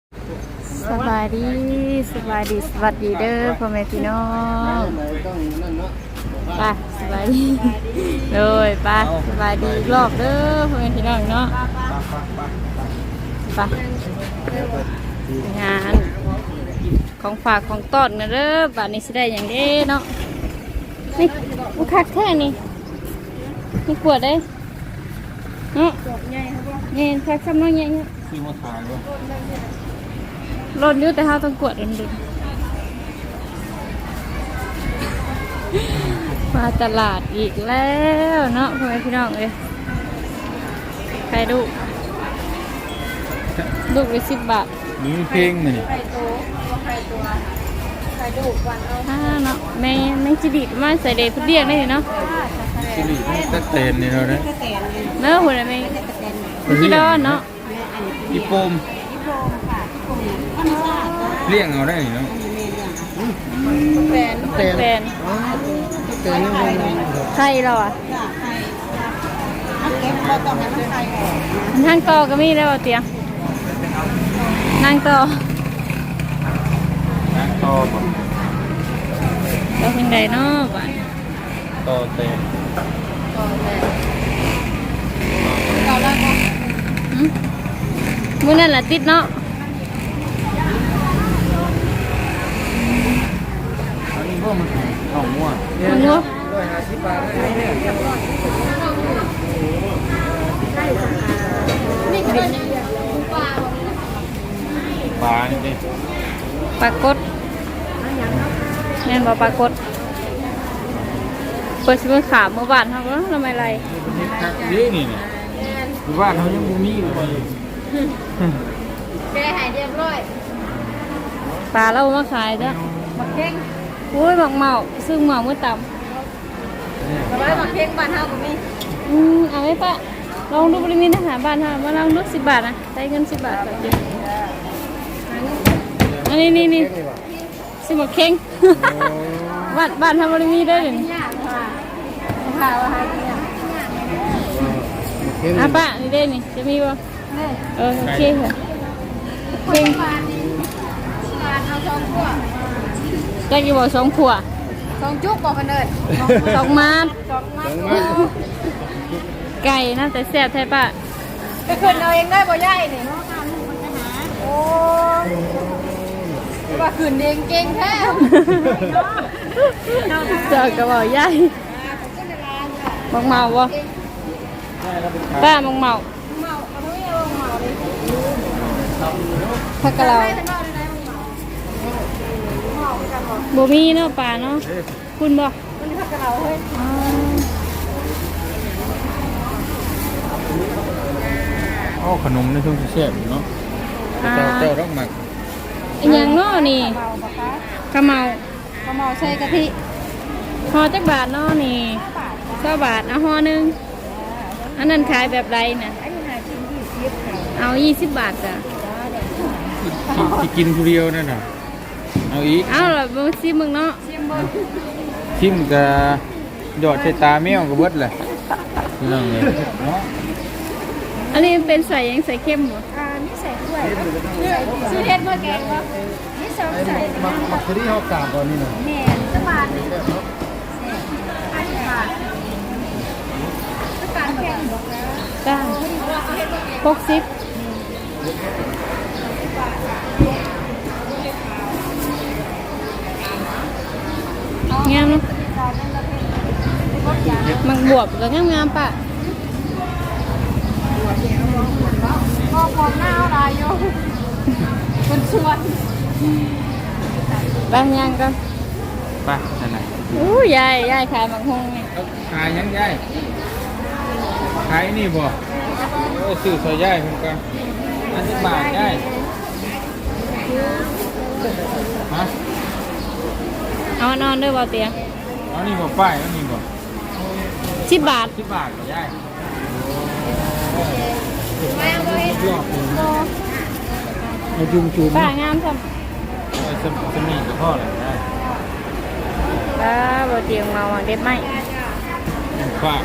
สบายดีสวัสดีเด้อพ่อแม่พี่น้องไปสบายดีเลยไปสบายดีรอบเด้อพ่อแม่พี่น้องเนาะไปงานของฝากของต้นนะเด้อบ้านนี้สิได้อย่างเด้เนาะนี่มันคักแค่นี้นี่ขวดได้เนาะนี่คักซ้ำน้อยใหญ่เนี่ยซื้อมาขายด้วยรถยุ่แต่ห้าต้องกวดดึงมาตลาดอีกแล้วเนาะพ่อแม่พี่น้องเลยใครดูลูกไป10 บาทนี่เพลงมันนี่ไข่ดูวันเอาเนาะแม่จีดีมาใส่เดย์พุดเดียงได้เนาะสิริตะเตนนี่เราเนี่ยเนื้อหุ่นอะไรพี่ดอนเนาะอีโปมเลี้ยงเอาได้เนาะแฟนไข่เราอ่ะนั่งต่อก็มีแล้วเตียงนั่งต่อต่อบ่เราเป็นไดเนาะบ้านต่อเตนมื้อนั่นแหละติดเนาะอันนี้พวกมันของมั่วมันงัว 150 บาทได้เนี่ยปลานี่ดิปลากดแม่นบ่ปลากดเปิดสิมื้อขาเมื่อวานเฮาก็ทำไมไรนี่นี่เนี่ยอยู่บ้านเขายังบ่มีอยู่เลยแกหายเรียบร้อยปลาเรามาขายจ้ะหมักเข่งอุ้ยหมักเมาซึ่งเมาเมื่อต่ำร้อยหมักเค้กบ้านเฮาก็มีเอาไหมปะลองดูบริมีอาหารบ้านเฮามาลองดู10 บาทนะได้เงิน10 บาทแบบนี้อันนี้สิหมักเข่งบ้านทำบริมีได้เลยย่างค่ะค่ะว่าให้เนี่ยอ่ะป้านี่ได้นี่จะมีบ่โอเคค่ะเข่งบ้านนี้บ้านเอา2 ขวดได้กี่บ่2 ขวด 2 จุกบ่เพิ่นเอิ้น 2 มาด 2 มัดไก่นะแต่แซ่บแท้ป้าไปขึ้นเอาเองได้บ่ยายนี่โอ้ว่าขึ้นเองเก่งแท้เจอกระบอกใหญ่มังเมาบ่ป้ามังเมาเมาเอาไว้เอาเมาเลยพักกะเราไปทางนอกได้ไหมเมาจังบ่บ่มีเนาะป้าเนาะคุณบ่มันพักกับเราเฮ้ยโอ้ขนมในช่วงเสียบเนาะเจ้าต้องหมักอีหยังเนาะนี่เมาบ่คะกะเมาก็เมาใส่กะทิห่อจักบาทเนาะนี่20 บาทเอาห่อหนึงอันนั้นขายแบบไรน่ะอันนี้หากิน20ค่ะเอา20 บาทจ้ะที่กินผู้เดียวนั่นน่ะเอาอีกเอาล่ะบ่ซิมึงเนาะเชียมเบิ่งทิมกับหยอดใส่ตาแมวกับเบิดเลยนั่งเลยเนาะอันนี้เป็นใส่หยังใส่เข้มบ่นี่ใส่ด้วยซื้อเฮ็ดเมื่อแกงวะนี่สองใส่มักที่เขากราบก่อนนี่นะแหน่สบานอันนี้บาทสบานแกงบอกแล้วจ้า60งามเนาะมังบวบก็งามๆป้าก็พร้อมหน้าอะไรอยู่มันชวนบางอย่างก็ไปนั่นน่ะอู้ยายขายบางหงนี่ขายยังยายขายนี่บ่ซื้อซอยยายเพิ่นก็อันนี้บาทยายฮะเอานอนด้วยบ่เตียงเอานี่บ่ป้ายเอานี่บ่ 10 บาท 10 บาทเหรอยายแม่ก็เฮ็ดยอดเลยเอาจุ่มจุ่มป้างามซ้สมีกับพ่อเลยได้ำป้าบ่เตียงมาหวังเด็ดไหมฝาก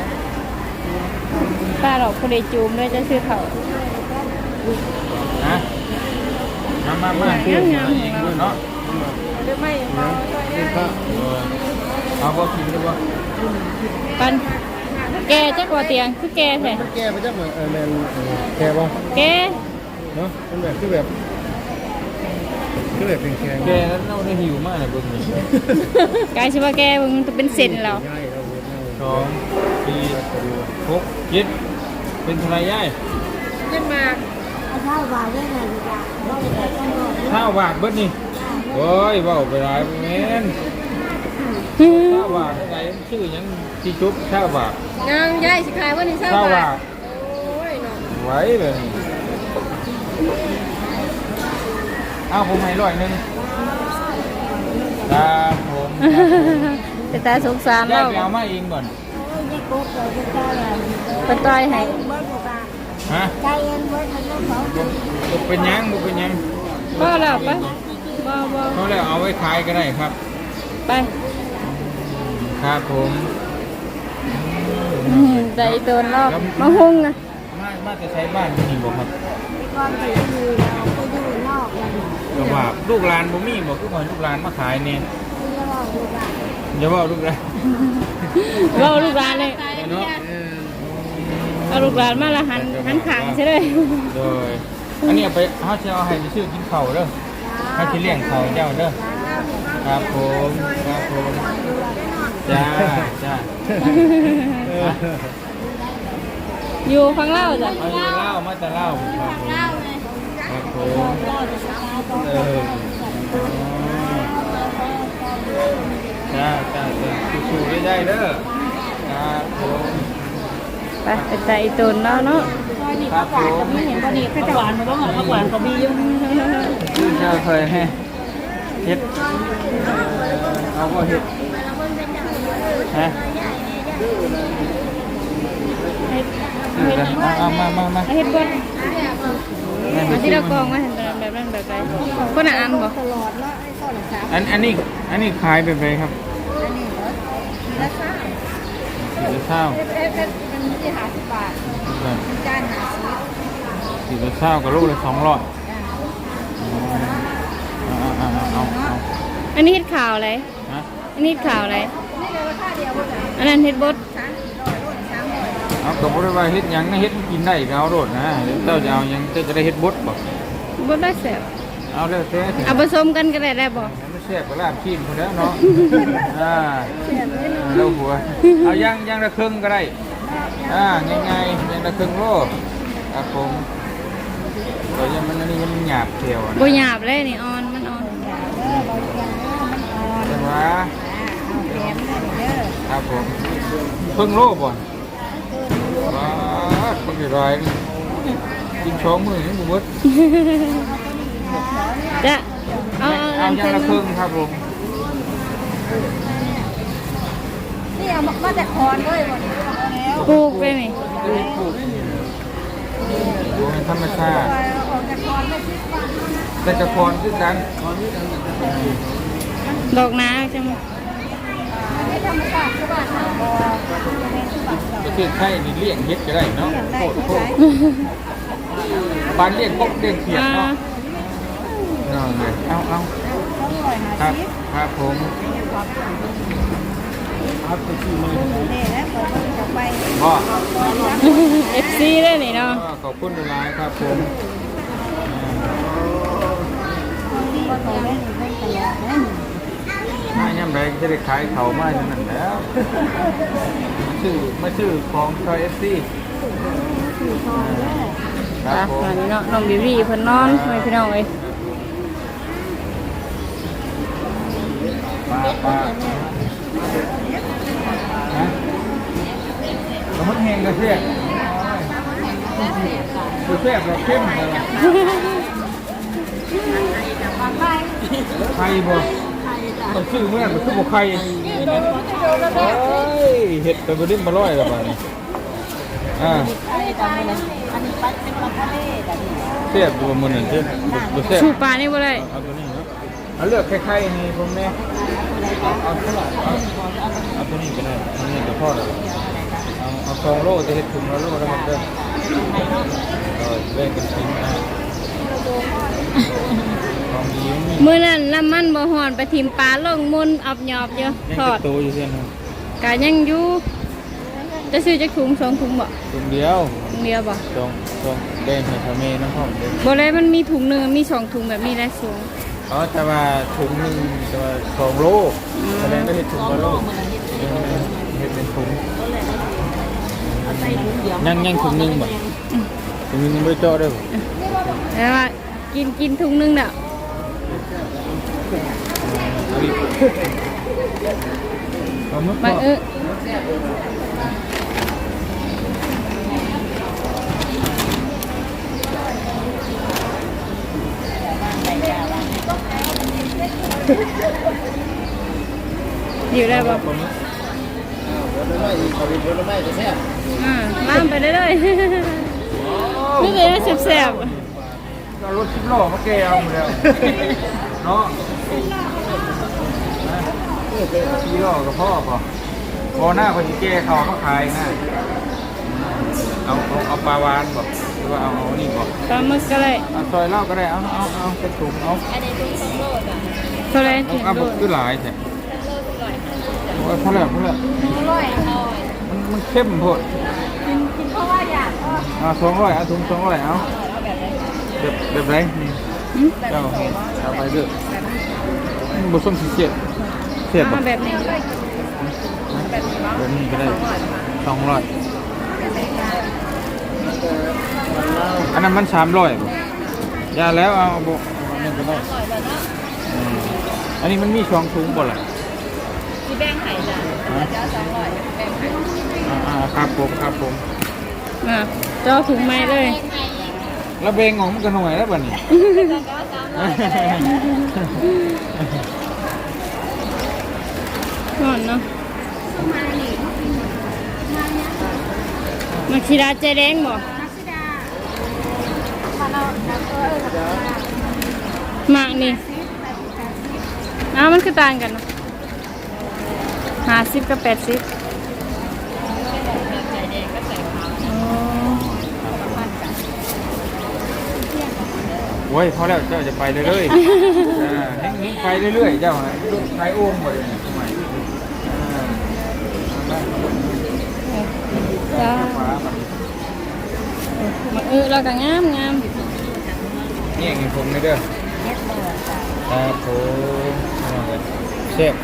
ป้าดอกผู้ใดจูมด้วยจะซื้อเขานะมาซื้อมาเองด้วยเนาะหรือไม่เมาด้วยนะเอาบ่กินได้บ่ปันแกจักว่าเตียงคือแกแท้แก้ไปจักเหมือนแมนแก้ป่ะแกเนาะเป็นแบบคือแบบเป็นแข็งแกแล้วเราได้หิวมากเลยเบิ่งนี่กายสิว่าแกมึงจะเป็นเส้นแล้วง่ายเราเว้ย 2 4 6 7เป็นเท่าไหร่ยายขึ้นมาข้าวบาทเบิดนี่โอ้ยเว้าไปหลายแม่นข้าวบาทอะไรชื่อหยังที่ชุบข้าวบาทยังยายสิขายว่านี่เช้าข้าวบาบาททโอ้ยเนาะไว้เลยเอาผมให้100นึงครับผมแต่ตาสงสารยาเรายไปเอามาเองก่อนเป็นต้อยให้ฮะบ่เป็นหยังบ่เป็นหยังบ่แล้วไปบ่เขาแล้วเอาไว้ขายก็ได้ครับไปครับผมใจโดนรอบมาหุ้งนะมาจะใช้บ้านนี่บ่ครับก็ว่าลูกหลานบ่มีบ่คือว่าลูกหลานมาขายเนี่ยอย่าว่าลูกหลานเราลูกหลานเลยเนาะเอาลูกหลานมาละหันขางใช่เลยโดยอันนี้เอาไปเฮาสิเอาให้ไปซื้อกินข้าวเด้อเฮาสิเลี้ยงข้าวเจ้าเด้อครับผมครับผมจ้าจ้าอยู่ข้างเล่าจ้ะเอาอยู่เล่ามาแต่เล่าครับผมจ้าจ้าจ้าสู้ๆได้เด้อครับผมไปเป็นใจโดนเนาะเนาะครับผมไม่เห็นพอดีข้าวหวานมันต้องข้าวหวานเขามีอยู่คือเจ้าเคยให้เฮ็ดเอาก็เฮ็ดฮะเอามาเฮ็ดบดเอาที่เรากองมาเห็นแบบนั้นแบบไรคนอ่านบ่ตลอดเนาะไอ้ข้อหลังสามอันนี้ขายเป็นไงครับอันนี้เหรอละซ่าสีเศร้ามันที่50 บาทจาน50 สีเศร้ากับลูกเลย200เอาอันนี้เฮ็ดข่าวอะไรฮะอันนี้เฮ็ดข่าวอะไรนี่เลยราคาเดียวหมดเลยอันนั้นเฮ็ดบดเอากับบริวารเฮ็ดหยังนะเฮ็ดกินได้ก็เอาโดดนะเจ้าจะเอาหยังเจ้าจะได้เฮ็ดบดบ่บดได้แซ่บเอาแล้วแต่เอาผสมกันก็ได้บ่ไม่แซ่บก็ลาบขี้คนแล้วเนาะเราหัวเอายังละครึ่งก็ได้ง่ายๆยังละครึ่งโลครับผมแต่ยังมันนี่มันหยาบเขียวนะบ่หยาบเลยนี่อ่อนมันอ่อนใช่ไหมครับผมครึ่งโลบ่อนว้าคนกี่รายกิน2 มื้อยังบ่หมดจะเอาเอายังละครึ่งครับผมนี่เอามาจากคอนด้วยหมดแล้วปลูกเลยนี่ปลูกดูเป็นธรรมชาติออกจากคอนไม่คิดว่าแต่กระพรคือกันดอกนาจังไม่ธรรมชาติคือบ้านเราบ่ก็คือไข่นี่เลี้ยงเฮ็ดก็ได้เนาะโคตรปานเลี้ยงกบเลี้ยงเขียดเนาะนั่นเลยเอาครับครับผมครับไปที่มือนี่นะเปิดมันจะไปพ่อ FC เลยนี่เนาะขอบคุณหลายครับผมก็โตได้หนึ่งคนตลอดนะมาย่ำแรงจะได้ขายเขามาอย่างนั้นแล้วมาชื่อของชอยFC ครับผมตอนนี้เนาะน้องบิวี่เพิ่นนอนให้พี่น้องเอ้ยปลาฮะกระมุดแห้งกระเทียมกระเทียมเราเข้มเลยไข่บ่มันชื่อเมื่อมันคือบ่ไข่เห็ดไปบดิ้นมาร้อยแล้วป่ะนี่เสียบตัวมันหนึ่งที่บ่เสียบชูปลานี่บ่ได้เอาตัวนี้เนาะเอาเลือกไข่ๆนี่ผมเนี่ยเอาเท่าไหร่เอาตัวนี้ก็ได้ตัวนี้ก็พอแล้วเอา2 โลจะเห็ดถุงละโลแล้วครับเด้อแบ่งกันกินนะดีมันมีมื้อนั้นน้ำมันบ่ฮ้อนไปทิมปลาลงมุนอับหยอบอยู่ยังทอจะดโตอยู่เพื่อนครับกะยังอยู่จะซื้อจักถุง2ถุงบ่ถุงเดียวถุงเดียวบ่สองแดงให้ทำเมน้ำหอมเลยบ่เลยมันมีถุงหนึงมี2ถุงแบบนี้แหละสูงอ๋อแต่ว่าถุงหนึงแต่ว่า2 โลแสดงว่าเห็ดถุงละโลเห็ดเป็นถุงยังถุงหนึงบ่ถุงหนึงยังไม่เจาะด้วยบ่แล้วว่ากินถุงหนึงน่ะเอาอีกเอามาบางเกาะอยู่ได้บ่รถไม่อีกเขาเป็นรถไม่จะแซ่บล่ามไปเรื่อยๆนี่เลยแซ่บเอารถ10 ล้อมาแกเอาหมดแล้วเนาะ10 ล้อกับพ่อป่ะพอหน้าคนที่แกเขามาขายนะเอาปลาวานบอกหรือว่าเอานี่บอกๆปลาหมึกก็เลยเอาซอยเหล้าก็ได้เอาเป็นถุงเอาเท่าไรเอาถึงเอาโดบุกดขึ้นหลายแท้โอ้ยพอแล้วมันเข้มโพดกินเพราะว่าอยากเอา200เอาถุง200เอาแบบไรนี่เจ้าเอาไปเด้อบุส้มสีเสียบมาแบบนี้แบบนี้ก็ได้200อันนั้นมัน300บ่ยาแล้วเอาบุอันนี้ก็ได้อันนี้มันมี2 ถุงบ่ล่ะที่แบ่งไข่จ้ะจะ200แบ่งไข่ครับผมเจ้าถุงไม้เลยแล้วเบงของมันก็หน่วยแล้วบ่นี่ก่อนเนาะมาคีราใจแดงบ่หมากนี่มันคือต่างกันเนาะ50กับ80 โอ้ยพอแล้วเจ้าจะไปเรื่อยๆให้ไปเรื่อยๆเจ้าไปโอ้มหมดเลยทำไมจ้ามาแล้วก็งามนี่อย่างผมเลยเด้อครับผมเชฟ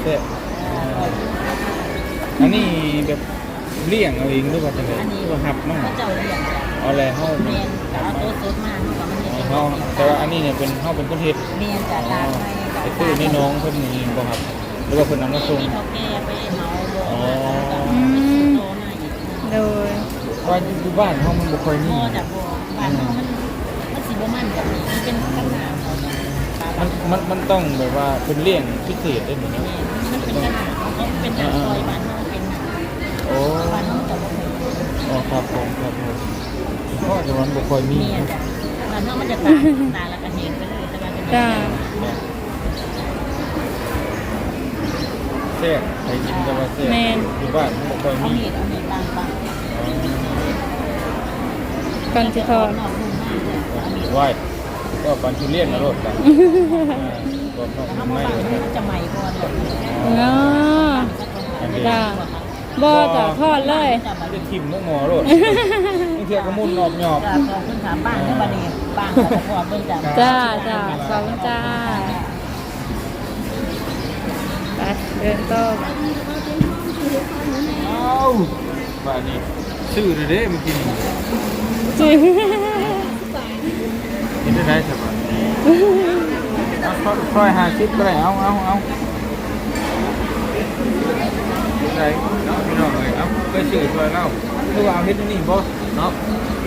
อันนี้แบบเลี้ยงเอาเองหรือว่าจะไงหรือว่าหับมากเจ้าเลี้ยงเอาอะไรเข้าเมียนเอาโต๊ะสดมาเนาะมันจะเป็นเข้าแต่ว่าอันนี้เนี่ยเป็นเข้าเป็นต้นเห็ดเมียนจากตาไทยไอ้ตู้นี่น้องเพิ่นนี่บ่ครับหรือว่าเพิ่นนำมาส่งเขาแก้ไปเหมาบ่อ๋อโตมาอีกโดยว่าอยู่บ้านเฮามันบ่ค่อยมีบ่จากบ่บ้านเฮามันสิบ่มันกับมันเป็นปัญหาเขาเนาะมันต้องแบบว่าเป็นเลี้ยงพิเศษได้เหมือนกันมันเป็นปัญหาเขาเป็นหน้าซอยบ้านเฮาเป็นหน้าโอ้บ้านเฮาจะบ่มีอ๋อครับผมเพราะจะมันบ่ค่อยมีเมียนจ้ะบ้านเฮามันจะตาแล้วก็เฮงไปเลยแต่ว่าเป็นจ้าแซ่บใครกินก็ว่าแซ่บอยู่บ้านมันบ่ค่อยเอามีมีดเอามีดบางก่อนสิทอดนอกนุ่มมากเลยเอามีดไหว้ก็ปันทุเรียนนะรถกันก็ต้องถ้าไม่มาฟังมันจะใหม่ก่อนเลยเนาะจ้าบ่จ้ะทอดเลยจะทิ่มมุกงอรถบางทีก็มุ่นนอบหยอบจ้าขอบคุณค่ะบ้านที่บ้านนี้บ้านของพ่อเบิ่งจ้าจ้าขอบคุณจ้าไปเดินต่อเอ้าบ้านนี้ซื้อเลยเด้เมื่อกี้นี่จริงกินได้ใช่ปะซอย50ก็ได้เอาได้เนาะพี่น้องเลยเอาไปซื้อซอยเล่าคือว่าเอาเฮ็ดนี่บ่เนาะ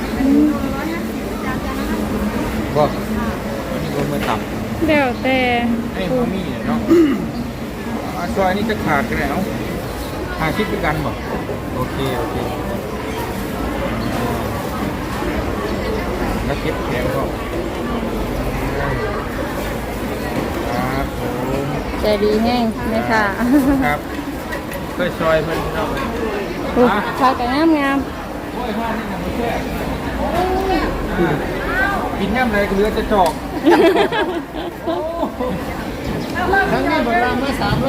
บ่อันนี้บ่มาตับเดี๋ยวแต่ไอ้พ่อมีเนาะซอยนี้จะขาดกันแล้ว50ด้วยกันบ่โอเคแล้วเก็บแขนก็ครับผมใจดีแห้งไหมค่ะครับเคยซอยเพิ่นเนาะผักกะงามโอ้ยห้านี่นะไม่ใช่กินย่ำอะไรก็เหลือจะจอกๆ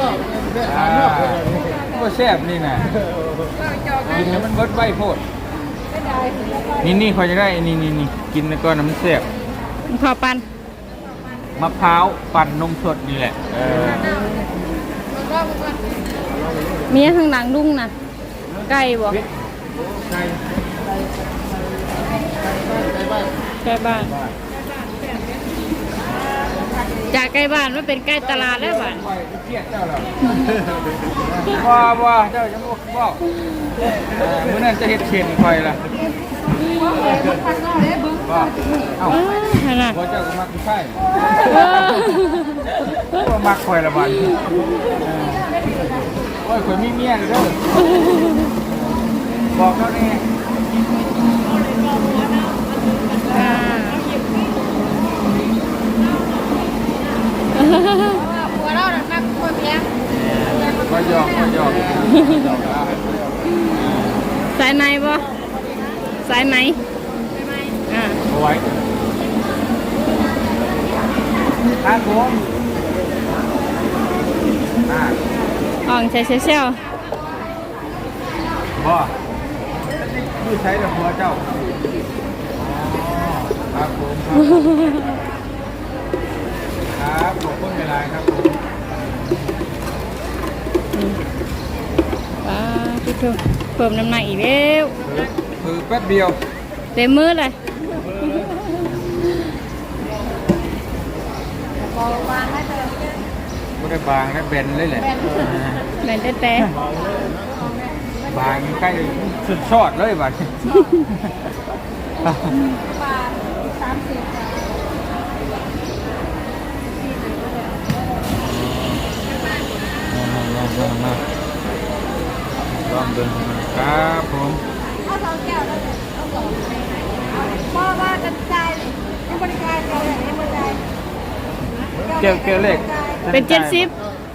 อกถามนอกก็แซ่บนี่นะกินแล้วมันเบิดใบโพดนี่คอยจะได้นี่กินแล้วก็น้ำแซ่บขอปันมะพร้าวปั่นนมสดนี่แหละมีข้างหลังลุงน่ะไก่บ่ใช่ใกล้บ้านจากใกล้บ้านมาเป็นใกล้ตลาดแล้วบ้านเครียดเจ้าเหรอว่าเจ้าจะบอกเมื่อนั้นจะเห็ดเข็นคอยล่ะว่าเอ้าขนาดว่าเจ้าก็มักใช่ว่ามักคอยละบันโอ้ยคอยมีเมียเลยเด้อบอกเขาเนี่ยหัวเราหนักหัวเพียงก็ยอกสายไหนบ่สายไหนอ่าเอาไว้ครับผมอ่องใช้เชี่ยวบ่ผู้ใช้แต่หัวเจ้าครับผมครับขอบคุณเวลาครับผมพี่ทูเพิ่มน้ำหนักอีกแล้วคือแป๊บเดียวเต็มมือเลยไม่ได้บางนะเบนเลยแหละแม่นแต่บางใกล้สุดชอดเลยบัด มาลองดูครับผมเอาสองแก้วแล้วเอาสองพ่อว่ากันใจยังบริการเราอย่างนี้บริการเกลียวเล็กเป็น70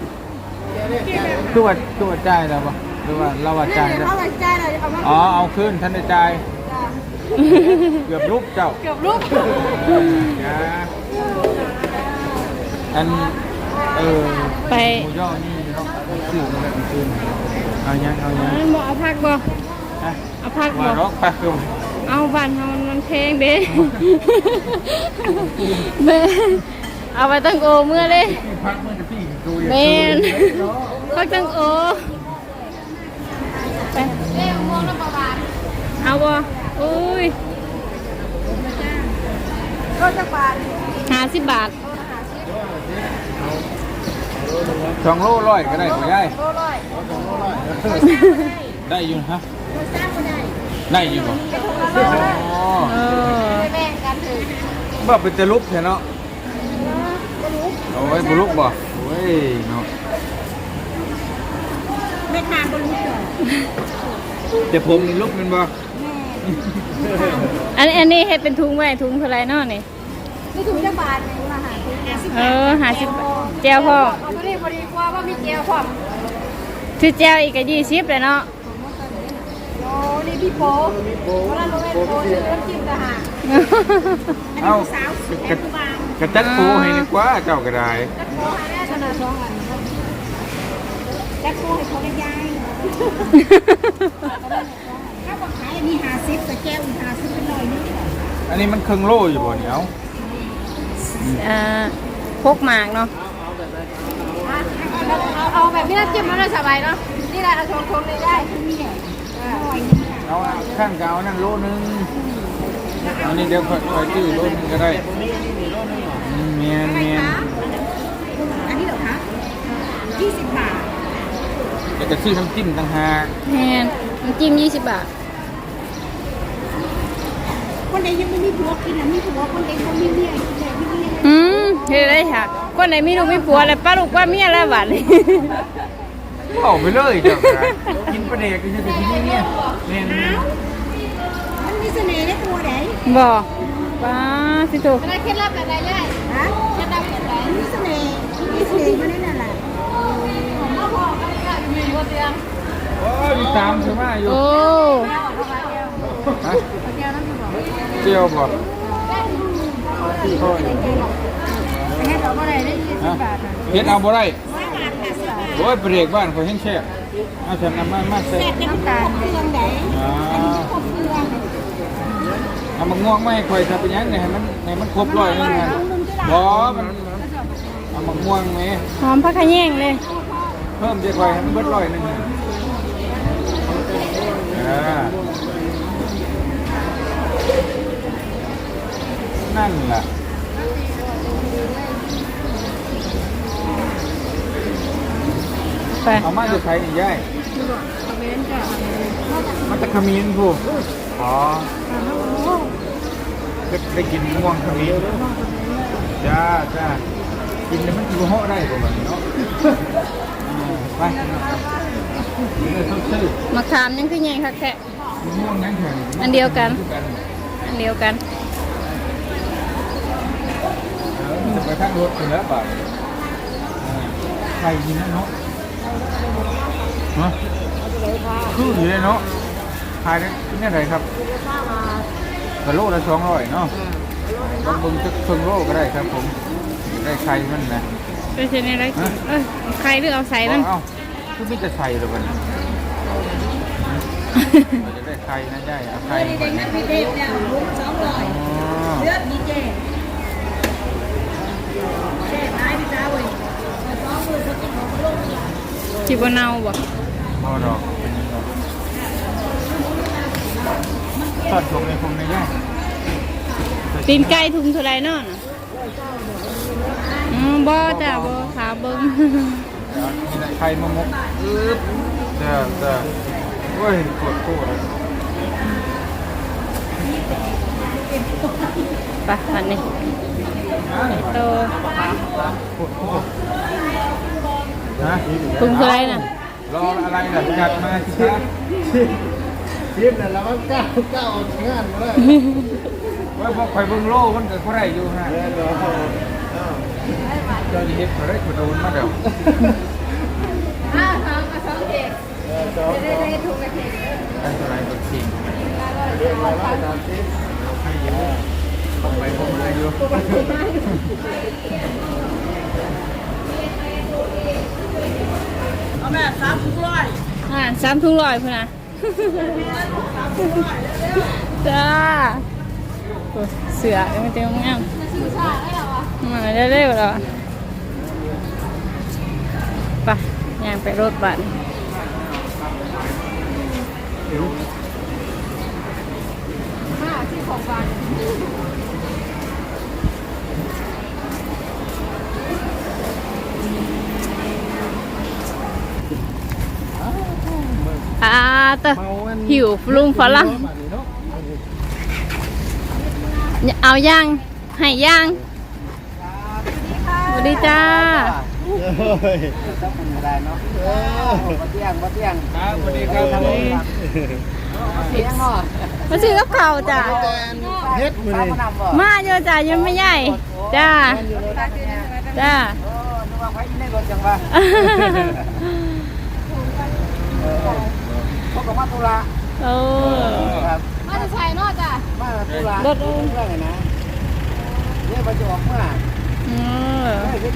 ตัวจ่ายแล้วปะหรือว่าเราว่าจ่ายแล้วเอาใจเลยเอามาอ๋อเอาขึ้นท่านได้จ่ายเกือบลุกเจ้าเกือบลูกอันไปหมูย่อนี่เนาะสื่อมันแบบคืนเอายังบ่เอาผักบ่เอาผักมาบ่ล็อกปักอยู่เอาบ้านเฮามันแพงเด้แม่เอาไปตั้งโอเมื่อเลยพักเมื่อจะพี่ดูแม่นพักตั้งโอไปเรียกม่วงน้ำปลาหวานเอาบ่อุ้ยก็จะปลา 50 บาท 2 โลร้อยก็ได้ผู้ใหญ่โลร้อยได้อยู่ฮะสร้างก็ได้ได้อยู่ป่ะไปถูกละโลเลยเออไปแบ่งกันถือบ่เป็นจะลุกใช่เนาะเอาไว้บุลุกบ่โอ้ยเนาะไม่ทานก็รู้จักแต่ผมนี่ลุกมันบ่อันนี้เฮ็ดเป็นถุงไว้ถุงเท่าไหร่เนาะนี่ไม่ถูกจะบาทเลยมาหาซื้อ 50แจ่วพ่อเอาตัวนี้พอดีกว่าว่ามีเจียวพร้อมชื่อแจ่วอีกก็20เลยเนาะโอ้นี่พี่โป๊เวลาเราเล่นโป๊ซื้อน้ำจิ้มกะหาเอ้าสาวแทนบางกระจัดปูให้ดีกว่าเจ้าก็ได้จักโป๊หาได้ขนาด2 อันจักโป๊ให้เขาได้ย้ายถ้าบอกขายอันนี้50แต่แก้วอีก50เป็นหน่อยนึงอันนี้มันครึ่งโลอยู่บ่เนี่ยพกหมากเนาะเอาแบบนี้น้ำจิ้มมันได้สบายเนาะนี่แหละเอาชงๆเลยได้นี่แหละเอาข้างกาวนั่นโลนึงอันนี้เดี๋ยวค่อยจื้อโลนึงก็ได้เมียนอันนี้เหรอคะ20 บาทแล้วก็ซื้อน้ำจิ้มต่างหากแม่นน้ำจิ้ม20 บาทคนใดยังไม่มีผัวกินมีผัวคนใดเขามีเมียกินเลยมีเมียเฮ็ดได้ค่ะคนไหนมีลูกมีผัวแล้วป้าลูกป้าเมียแล้วบัดนี้เอาไปเลยเจ้าก็ได้กินปลาเด็กก็จะกินนี่เนี่ยเมียนมันมีเสน่ห์ในตัวไหนบ่ป้าสิโตอะไรเคล็ดลับอะไรได้ฮะเคล็ดลับอะไรมีเสน่ห์อยู่ในนั่นแหละพ่อก็มีคนเดียวโอ้ยมีตามใช่ไหมอยู่โอ้ฮะเจียวบ่โอ้ยให้เราเมื่อไรได้20 บาทเฮ็ดเอาบ่ได้ 10 บาทค่ะ10 บาทโอ้ยเบรกบ้านเขาแห้งแช่เอาฉันนำมาใส่เสร็จแล้วมันครบเครื่องไหนครบเครื่องเอามาง่วงไม่ให้คอยทำเป็นยังไงให้มันครบร้อยนึงนะบ่มันเอามาง่วงไหมหอมผักขะแยงเลยเพิ่มจะคอยให้มันเบิดร้อยนึงนะนั่นแหละไปเอามาจะใช้นี่ย่ายมันจะขมิ้นผู้อ๋อได้กินม่วงขมิ้นจ้ากินแล้วมันกินห่อได้ประมาณนี้เนาะไปนี่ต้องซื้อมะขามยังคือใหญ่คักแท้ม่วงยังแข็งอันเดียวกัน อันเดียวกันจะไปข้างรถถึงแล้วป่ะใครกินนั่นเนาะฮะคืออยู่เลยเนาะขายได้ที่ไหนครับกะโลละ200เนาะบางบึงจะครึ่งโลก็ได้ครับผมได้ไข่มันนะก็ใช่ในไรใครหรือเอาใส่มันเอ้าคือไม่จะใส่หรือเปล่าเราจะได้ไข่นะได้เอาไข่ไปนะไม่เด็ดเนี่ย200เลือดดีเจเจ๊ไม้พี่จ้าเว้ย2 มือเขากินของโลกเนี่ยจิบเนาบ่พอดอกเป็นยังไงทอดลงในคงในย่างตีนไก่ถุงเท่าไรเนาะบ่จ้ะบ่ขาเบิ้งมีอะไรไข่มะมกจ้าโอ้ยปวดตัวเลยไปอันนี้โตปวดตัวนะถุงเท่าไรน่ะรออะไรล่ะจัดมาสิครับทีมเนี่ยเราก็ก้าวงานมาได้ว่าพอไข่เบิ้งโลมันเกิดเขาได้อยู่ฮะเดี๋ยวเจ้าเฮ็ดเขาได้กระโดนมาเดี๋ยวได้ถูกกระเทียมอันตรายตัวจริงเรียกมาว่าตามทีมให้เยอะต้องไปพวกมันอยู่เอาแม่3 ถุงร้อย 3 ถุง100พุ่นน่ะจ้าเสือมันเต็มงามมาเร็วๆแล้วไปย่างไปรถบัสเตอหิวลุงฝรั่งเอาย่างให้ย่างสวัสดีจ้าเฮ้ยต้องเป็นอะไรเนาะมาเที่ยงครับสวัสดีครับมาซื้อกับข้าวจ้าเฮ็ดมือนี่มาเยอะจ้ายังไม่ใหญ่จ้าจ้านึกว่าไฟในรถจังวะพวกกับมาตุลาโอ้ครับมาจะใส่นอกจ้ะมาตุลารถเรื่องไงนะเนี่ยมันจะออกเมื่อไปไป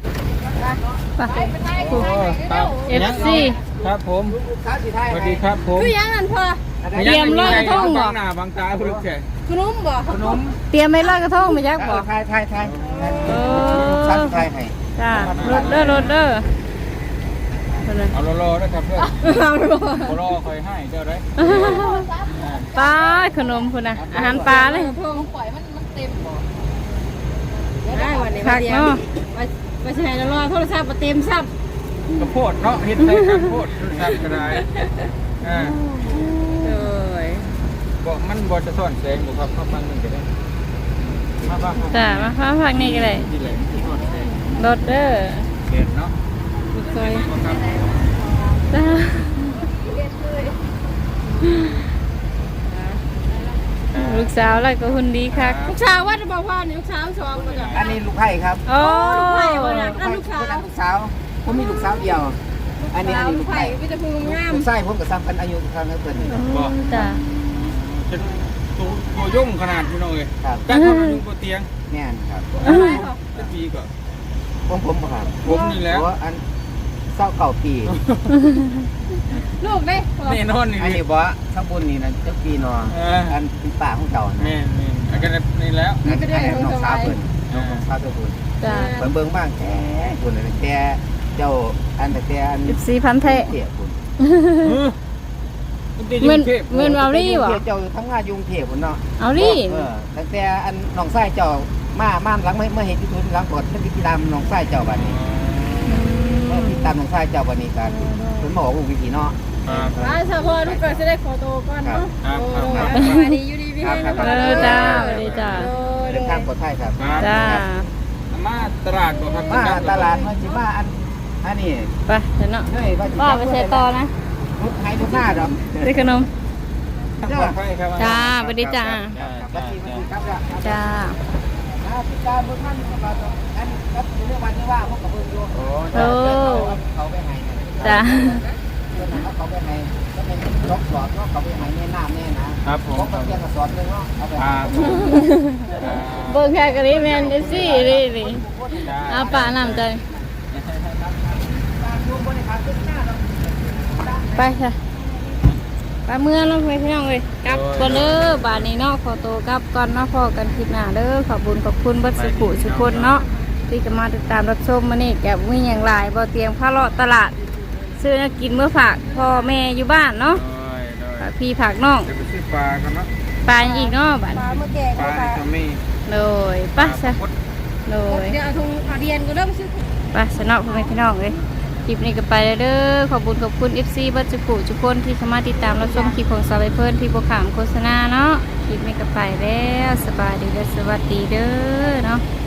ไทย FC ครับผมค้าสีไทยสวัสดีครับผมคือยังนั่นพอ เตรียมลอยกระทงบ่บางหน้าบางตาพลุกแค่ขนมบ่ขนมเตรียมไม่ลอยกระทงมาจักบ่ไทยเออค้าสีไทยให้จ้ารถเด้อเอารอๆนะครับเพื่อนเอาบ่รอคอยให้เจ้าได้ปลาขนมพุ่นน่ะอาหารปลาเลยเพิ่งปล่อยมันเต็มบ่ได้วันนี้ผักเนาะไปใช้แล้วรอโทรศัพท์เต็มซับกระโพดเนาะเฮ็ดใส่กระโพดสับกระไดอ่าเลยบอกมันบ่จะซ่อนแสงบ่ครับเข้าฟังนึงก็ได้มาฟังจ้ามาฟ้าผักนี่ก็ได้ที่แหลมที่ซ่อนแสงรถเด้อเห็นเนาะซอยครับจ้าลูกสาวแล้วก็หุ่นดีคักลูกสาวว่าจะบอกว่าลูกสาว2บ่จ้ะอันนี้ลูกไผ่ครับโอ้ลูกไผ่บ่น่ะลูกสาวผมมีลูกสาวเดียว อันนี้ลูกไผ่พี่จะพูดงามลูกไส้ผมกับซ้ำกันอายุเท่านั้นเพิ่นจ้าจะตัวยุ่งขนาดพี่น้องเอ้ยครับจักคนอยู่บนเตียงแม่นครับจะปีก็ผมครับผมนี่แหละอัน 29ปีลูกเด้นี่นอนนี่อันนี้บ่ทั้งบุญนี่นะเจ้าปีนออันเป็นป่าของเจ้านะแม่นี่อันกันนี่แล้วนั่นไอ้น้องสาวเพิ่นน้องสาวเจ้าบุญจ้าเพิ่นเบิ่งบ้างแท้บุญแต่เจ้าอันแต่อัน 14,000แท้เทียบบุญเงินเอาลี่บ่เจ้าอยู่ทำงานยุงเทพบุญเนาะเอาลี่ตั้งแต่อันน้องชายเจ้ามาหลังเมื่อเห็นยูทูบหลังกดเพิ่นติดตามน้องชายเจ้าบัดนี้ติดตามน้องชายเจ้าบัดนี้กันเพิ่นบอกว่าวิธีเนาะว่าเฉพาะลูกก็จะได้ขอโตก่อนเนาะดีอยู่ดีพี่ให้นะจ้าสวัสดีจ้าเดินทางปลอดภัยครับจ้ามาตลาดบ่ครับมาตลาดมาสิมาอันนี้ไปเดี๋ยวเนาะเฮ้ยว่าว่าไปใช้ต่อนะทุกให้ทุกหน้าดอกได้ขนมปลอดภัยครับจ้าสวัสดีจ้าบัดนี้ครับจ้าติดตามเบิ่งท่านกับอันครับเรื่องวันนี้ว่าพวกกับเบิ่งอยู่โอ้โอ้เขาไปให้จ้าเขาไปให้ก็เป็นล็อกสอดเนาะเขาไปให้แม่น้ำแน่นะครับผมพวกกับเพียงกับสอดนึงเนาะเอาไปครับเบิ่งแค่กะนี้แม่นได้สินี่นี่เอาป่าน้ำใจไปค่ะไปเมื่อน้องพี่น้องเลยกลับก่อนเด้อบาดนี้เนาะขอตัวกลับก่อนเนาะพอกันคลิปหน้าเด้อขอบคุญขอบคุณเบัดสุขุสุคนเนาะที่จะมาติดตามรับชมมานี่แกมีอย่างไรบ่เตียงผ้าเลาะตลาดซื้อมากินเมื่อฝากพ่อแม่อยู่บ้านเนาะฝากพี่ฝากน้องเดี๋ยวไปซื้อปลากันเนาะปลาอย่างอีกเนาะบาดปลาเมื่อแก่ปลาในทำมีเลยไปซะเลยเดี๋ยวเอาถุงเอาเรียนก็เริ่มซื้อไปสนอพ่อแม่พี่น้องเลยคลิปนี้ก็ไปแล้วเด้อขอบคุณขอบคุณ FC บัดจุกุทุกคนที่เข้ามาติดตามรับชมคลิปของสาวใบเพิ่นที่โบขามโฆษณาเนาะคลิปนี้ก็ไปแล้วสบายดีและสวัสดีเด้อเนาะ